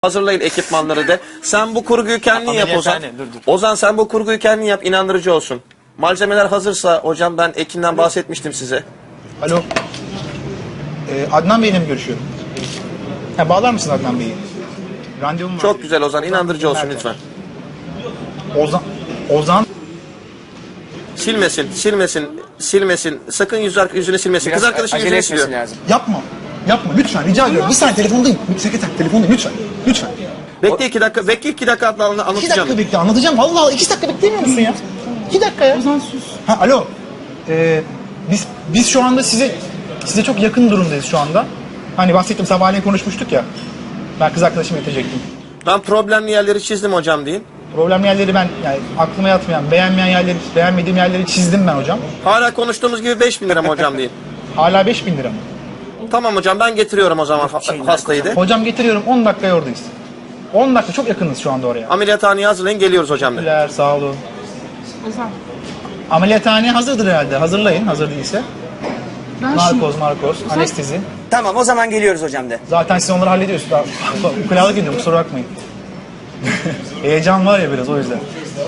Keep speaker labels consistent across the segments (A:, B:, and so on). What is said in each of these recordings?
A: Hazırlayın ekipmanları de. Sen bu kurguyu kendin yap Ozan.
B: Dur.
A: Ozan sen bu kurguyu kendin yap, inandırıcı olsun. Malzemeler hazırsa hocam, ben Ekin'den bahsetmiştim size.
C: Alo. Adnan Bey'le mi görüşüyorum? Bağlar mısın Adnan Bey'i? Randevum var.
A: Çok güzel Ozan, inandırıcı olsun lütfen.
C: Ozan.
A: Silmesin. Sakın yüzünü silmesin. Kız arkadaşın
B: acele
A: yüzünü siliyor.
B: etmesi lazım.
C: Yapma lütfen rica ediyorum. Bir saniye telefondayım. Sekreter telefondayım lütfen.
A: Bekle 2 dakika,
C: İki dakika
A: anlatacağım.
C: bekle anlatacağım. Vallahi 2 dakika beklemiyor musun ya? 2 dakika ya.
D: Ozan sus.
C: Alo. Biz şu anda size çok yakın durumdayız şu anda. Hani bahsettim, sabahleyin konuşmuştuk ya. Ben kız arkadaşımı getirecektim.
A: Ben problemli yerleri çizdim hocam deyin.
C: Problemli yerleri ben, yani aklıma yatmayan, beğenmediğim yerleri çizdim ben hocam.
A: Hala konuştuğumuz gibi 5.000 lira mı hocam deyin.
C: Hala 5.000 lira mı?
A: Tamam hocam, ben getiriyorum o zaman hastayı de.
C: Hocam getiriyorum, 10 dakikaya oradayız. 10 dakika, çok yakınız şu anda oraya.
A: Ameliyathaneye hazırlayın, geliyoruz hocam de.
C: Teşekkürler, sağ olun.
D: Ozan.
C: Ameliyathaneye hazırdır herhalde. Hazırlayın, hazır değilse.
D: Ben
C: Narkoz, anestezi.
B: Tamam, o zaman geliyoruz hocam de.
C: Zaten siz onları hallediyorsunuz. Ukulalık ediyorum, kusura bakmayın. Heyecan var ya biraz, o yüzden.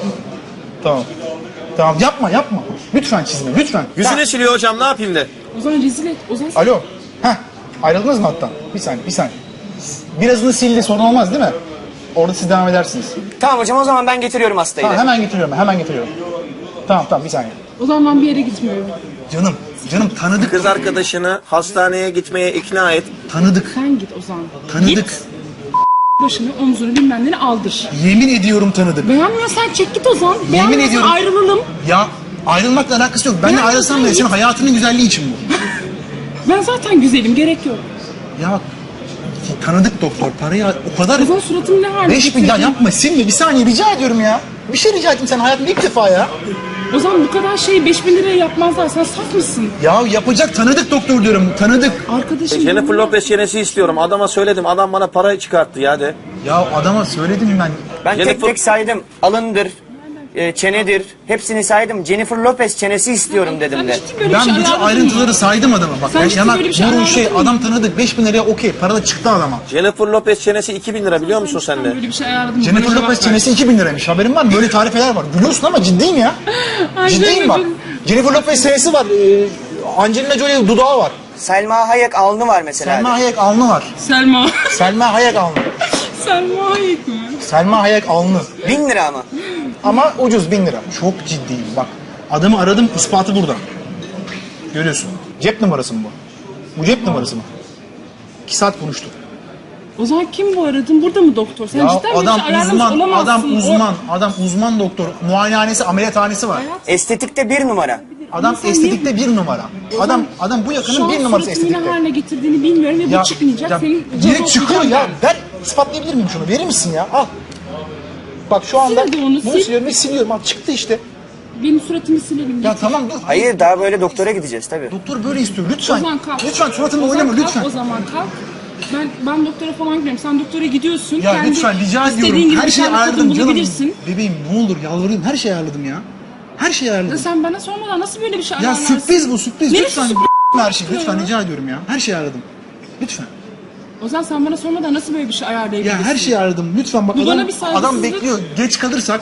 C: Tamam, yapma. Lütfen çizme, lütfen.
A: Yüzünü siliyor hocam, ne yapayım de.
D: Ozan rezil et. Ozan
C: Alo. Ayrıldınız mı hattan? Bir saniye. Birazını sildi, sorun olmaz değil mi? Orada siz devam edersiniz.
B: Tamam hocam, o zaman ben getiriyorum hastayı
C: Tamam,
B: de.
C: hemen getiriyorum. Tamam, bir saniye.
D: Ozan ben bir yere gitmiyorum.
C: Canım tanıdık.
A: Kız arkadaşını hastaneye gitmeye ikna et.
C: Tanıdık.
D: Sen git Ozan.
C: Tanıdık.
D: Git. Başını, omzunu bilmem neni aldır.
C: Yemin ediyorum tanıdık.
D: Beğenmiyorsan çek git Ozan.
C: Yemin
D: Beğenmiyorsan
C: ediyorum.
D: ayrılalım.
C: Ya ayrılmakla alakası yok. Benle ayrılsam da senin hayatının güzelliği için bu.
D: Ben zaten güzelim, gerek yok.
C: Ya bak, tanıdık doktor, parayı o kadar...
D: Ozan suratını ne hale
C: 5.000 ya yapma, silme, bir saniye rica ediyorum ya. Bir şey rica ettim sen hayatımda ilk defa ya.
D: Ozan bu kadar şeyi 5.000 liraya yapmazlar. Sen saf mısın?
C: Ya yapacak, tanıdık doktor diyorum, tanıdık.
D: Arkadaşım.
A: Jennifer Lopez çenesi istiyorum. Adama söyledim. Adam bana para çıkarttı ya de.
C: Ya adama söyledim ben.
B: Ben tek
A: Jennifer-
B: tek saydım. Alındır, çenedir. Hepsini saydım. Jennifer Lopez çenesi istiyorum dedim de.
D: Ciddi böyle bir
C: Ben
D: şey
C: bütün
D: ayarladın mı?
C: ayrıntıları saydım adama. Bak
D: Sen ciddi
C: yanak,
D: böyle bir şey
C: burun
D: ayarladın mı?
C: adam tanıdık, 5.000 liraya okey, para da çıktı adama.
A: Jennifer Lopez çenesi 2.000 lira, biliyor musun sen
D: Ben
A: de?
D: böyle bir şey ayarladım.
C: Jennifer
D: Bana
C: Lopez
D: cevap ver.
C: çenesi 2.000 liraymış, haberin var mı? Böyle tarifeler var. Gülüyorsun ama ciddiyim ya.
D: Ay,
C: Ciddiyim bak.
D: Jennifer-
C: Jennifer Lopez çenesi var. Angelina Jolie dudağı var.
B: Selma Hayek alnı var mesela.
C: Selma Hayek alnı var.
D: Selma.
C: Selma Hayek alnı.
D: Selma Hayek mi?
C: Selma Hayek alnı.
B: 1000 lira mı?
C: Ama ucuz, 1.000 lira. Çok ciddiyim bak. Adamı aradım, ispatı burada. Görüyorsun. Cep numarası mı bu? Bu cep numarası mı? 2 saat konuştuk.
D: Ozan kim bu aradın? Burada mı doktor? Sen
C: Ya
D: cidden böyle bir
C: adam
D: şey ayarlamış
C: uzman,
D: olamazsın.
C: adam uzman doktor. Muayenehanesi, ameliyathanesi var.
B: Estetikte 1 numara.
C: Adam
D: sen
C: estetikte 1 numara. Adam bu yakının 1 numarası
D: Şu an suratını ne
C: estetikte.
D: haline getirdiğini bilmiyorum ve bu çıkmayacak. Senin
C: direkt
D: canı
C: çıkıyor
D: okuyacağım
C: ya. Ver, ispatlayabilir miyim şunu? Verir misin ya? Al. Bak şu anda
D: Sil hadi onu,
C: bunu
D: sil.
C: siliyorum ve siliyorum. Al çıktı işte.
D: ben. Benim suratımı silelim.
C: Ya tamam dur.
B: Hayır, daha böyle doktora gideceğiz tabii.
C: Doktor böyle istiyor. Lütfen.
D: Ozan kalk.
C: Lütfen suratımla
D: Ozan
C: oynama
D: kalk,
C: lütfen.
D: O zaman kalk. Ben doktora falan gidiyorum. Sen doktora gidiyorsun.
C: Ya
D: Kendi
C: lütfen rica
D: istediğin
C: ediyorum.
D: gibi
C: Her
D: bir
C: şeyi
D: tane kadın
C: ayarladım canım.
D: bulabilirsin.
C: Bebeğim ne olur yalvarıyorum. Her şeyi ayarladım ya. Her şeyi
D: Ya
C: ayarladım.
D: sen bana sormadan nasıl böyle bir şey
C: Ya
D: ayarlarsın?
C: sürpriz bu sürpriz.
D: Neresi
C: Lütfen.
D: sürpriz
C: Her şey. Lütfen
D: ya?
C: rica ediyorum ya. Her şeyi ayarladım. Lütfen.
D: Ozan sen bana sormadan nasıl böyle bir şey ayarlayabilirsin?
C: Ya her şeyi ayarladım. Lütfen bak
D: Bu bana
C: adam,
D: bir saygısızlık.
C: adam bekliyor. Geç kalırsak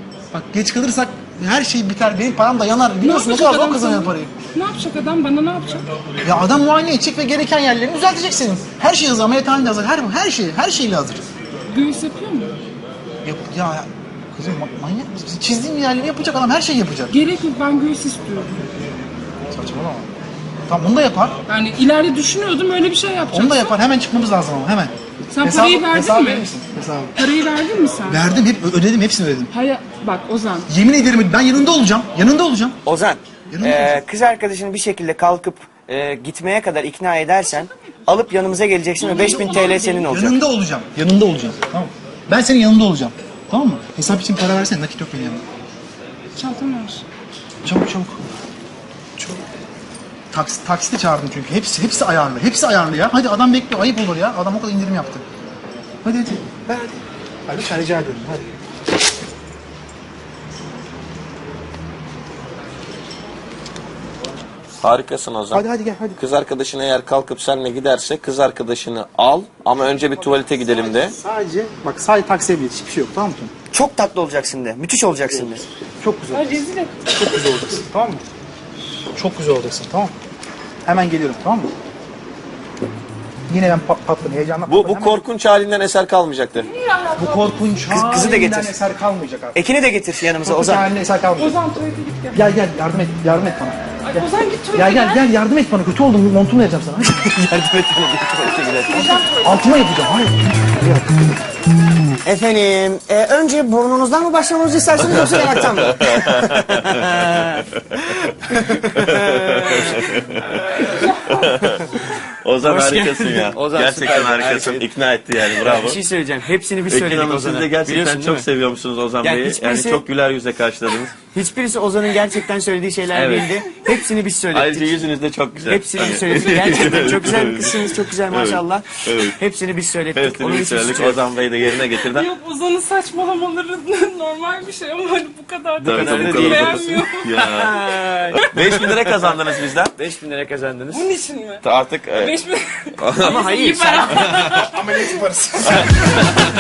C: her şey biter. Benim param da yanar. Biliyorsun ne
D: yapacak
C: kadar zor
D: adam
C: kazanıyor
D: sana?
C: parayı.
D: Ne yapacak adam? Bana ne yapacak?
C: Ya adam muayene edecek ve gereken yerlerini düzeltecek senin. Her şey hazır. Ameliyathanede hazır. Her şeyle hazır.
D: Göğüs yapıyor mu?
C: Ya kızım manyak mısın? Çizdiğim yerleri yapacak adam. Her şeyi yapacak.
D: Gerek yok, ben göğüs istiyorum.
C: Saçmalama. Tamam onu da yapar.
D: Yani ileride düşünüyordum öyle bir şey yapacaksın.
C: Onu da yapar. Hemen çıkmamız lazım ama hemen.
D: Sen parayı verdin
C: hesabı
D: mi?
C: verir misin? Hesabı.
D: Parayı verdin mi sen?
C: Verdim. Hep ödedim. Hepsini ödedim.
D: Hayır, bak Ozan.
C: Yemin ederim ben yanında olacağım. Yanında olacağım.
B: Ozan,
C: Yanında olacağım.
B: kız arkadaşını bir şekilde kalkıp gitmeye kadar ikna edersen alıp yanımıza geleceksin ve 5000 TL senin olacak.
C: Yanında olacağım. Yanında olacağım. Tamam. Ben senin yanında olacağım. Tamam mı? Hesap için para versene. Nakit yok benim yanımda.
D: Çantamı ver.
C: Çabuk. Çabuk. Taksite çağırdım çünkü. Hepsi ayarlı. Hepsi ayarlı ya. Hadi adam bekliyor. Ayıp olur ya. Adam o kadar indirim yaptı. Hadi. Ver hadi. Hadi lütfen rica ediyorum. Hadi.
A: Harikasın Ozan.
C: Hadi gel hadi.
A: Kız arkadaşın eğer kalkıp seninle giderse kız arkadaşını al ama önce bir tuvalete gidelim de.
C: Sadece taksiye bilet. Hiçbir şey yok, tamam mı?
B: Çok tatlı olacaksın de. Müthiş olacaksın de.
C: Çok güzel
D: Ay
C: olacaksın.
D: rezil et.
C: Çok güzel olacaksın, tamam mı? Çok güzel olacaksın, tamam mı? Hemen geliyorum, tamam mı? Yine ben patladım, heyecanla
A: Bu
C: patladım.
A: korkunç halinden eser kalmayacaktır.
C: Bu korkunç
B: kızı da getir.
C: halinden eser kalmayacak artık.
B: Ekin'i de getir yanımıza
C: Korkunç
B: Ozan.
C: halinden eser kalmayacak.
D: Ozan tuvalete git gel.
C: Gel yardım et bana.
D: Ay Ozan git tuvalete
C: Gel yardım et bana, kötü oldum, montumu vereceğim sana.
B: Yardım et bana bir tuvalete gidelim.
C: Altıma yapacağım, hayır.
B: Efendim, önce burnunuzdan mı başlamamızı istersiniz yoksa yanaktan mı?
A: Ozan
B: Hoş
A: harikasın
B: geldin.
A: ya.
B: Ozan
A: Gerçekten
B: süper,
A: harikasın.
B: harika.
A: İkna etti yani, bravo.
B: Bir şey söyleyeceğim. Hepsini biz
A: Ekin
B: söyledik
A: Hanım, siz
B: Ozan'a.
A: de gerçekten
B: Biliyorsun, değil
A: çok
B: mi?
A: seviyormuşsunuz Ozan
B: Yani
A: Bey'i. Yani
B: hiçbirisi-
A: çok güler yüzle karşıladınız.
B: Hiçbirisi Ozan'ın gerçekten söylediği şeyler
A: Evet.
B: değildi. Hepsini biz söyledik.
A: Ayrıca yüzünüz de çok güzel.
B: Hepsini biz söyledik. Gerçekten çok güzel bir kızsınız. Çok güzel maşallah.
A: Evet.
B: Hepsini biz söyledik.
A: Hepsini
B: Onun
A: biz
B: için
A: söyledik.
B: söyledik.
A: Ozan Bey de yerine getirdi.
D: Yok Ozan'ın saçmalamaları normal bir şey ama hani bu kadar da
A: Tabii,
B: kadar
A: tabii,
B: da
A: bu
B: değil.
A: kadar
D: beğenmiyor.
A: Ya. 5.000 lira kazandınız bizden.
B: 5.000 lira kazandınız.
D: Bunun için mi?
A: Artık
D: 5 mi?
B: Ama hayır.
D: İyi para.
C: Ameliyat yaparız.